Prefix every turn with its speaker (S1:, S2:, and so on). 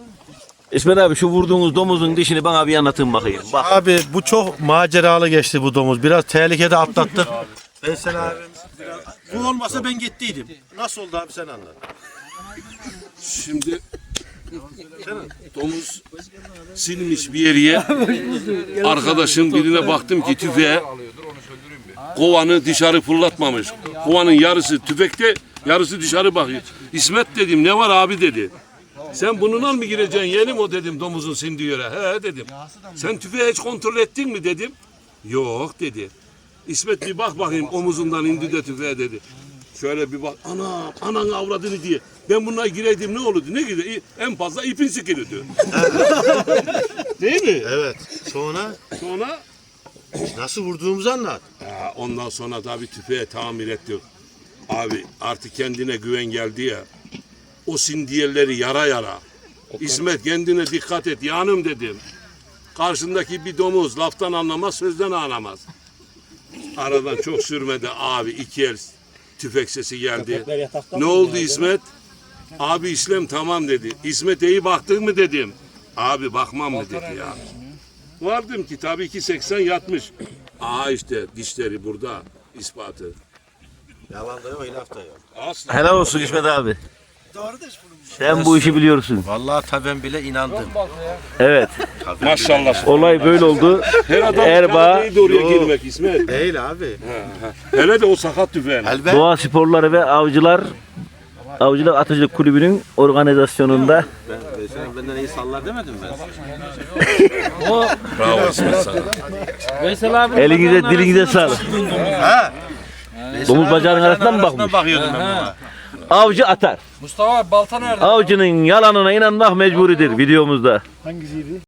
S1: İsmet abi şu vurduğunuz domuzun dişini bana bir anlatın bakayım. Bak.
S2: Abi bu çok maceralı geçti bu domuz. Biraz tehlikede atlattık. Veysel abim bu olmasa ben gittiydim. Nasıl oldu abi sen anlat.
S3: Şimdi domuz silmiş bir yere. Arkadaşın birine baktım ki tüfeğe kovanı dışarı fırlatmamış. Kovanın yarısı tüfekte, yarısı dışarı bakıyor. İsmet dedim, ne var abi dedi. Sen bununla mı gireceksin yeğenim o dedim domuzun sindiği yere. He dedim. Sen tüfeği hiç kontrol ettin mi dedim. Yok dedi. İsmet bir bak bakayım omuzundan indi de tüfeğe dedi. Şöyle bir bak, anan avradını diye. Ben bununla gireydim ne olurdu? Ne gider? En fazla ipin sıkılırdı. Değil mi?
S2: Evet. Sonra nasıl vurduğumuzu anlat.
S3: Ondan sonra tabii tüfeğe tamir ettik. Abi artık kendine güven geldi ya. O sindiyelleri yara yara. İsmet kendine dikkat et yanım dedim. Karşındaki bir domuz laftan anlamaz sözden anlamaz. Aradan çok sürmedi abi iki el tüfek sesi geldi. Ne oldu İsmet? Abi işlem tamam dedi. İsmet iyi baktın mı dedim. Abi bakmam mı dedi ya. Vardım ki tabii ki 80 yatmış. İşte dişleri burada ispatı.
S2: Yalan da yok, ilaf da yok.
S3: Asla.
S1: Helal olsun İsmet abi. Sen bu işi biliyorsun.
S2: Vallahi tabii ben bile inandım.
S1: Evet.
S3: Maşallah.
S1: Olay böyle oldu.
S3: Her adam
S1: Erbaa
S3: değil de oraya girmek İsmet.
S2: Değil abi.
S3: Hele de o sakat tüfeğin.
S2: Elbet.
S1: Doğa Sporları ve Avcılar Atıcılık Kulübü'nün organizasyonunda
S2: Veysel benden iyi sallar demedim ben.
S3: Bravo İsmet sana.
S4: Veysel abi.
S1: elinize dilinize sağlık. Domuz bacağının arasından mı bakmış?
S2: Bakıyordum ben buna.
S1: Avcı atar.
S4: Mustafa abi balta nerede?
S1: Avcının yalanına inanmak mecburidir videomuzda.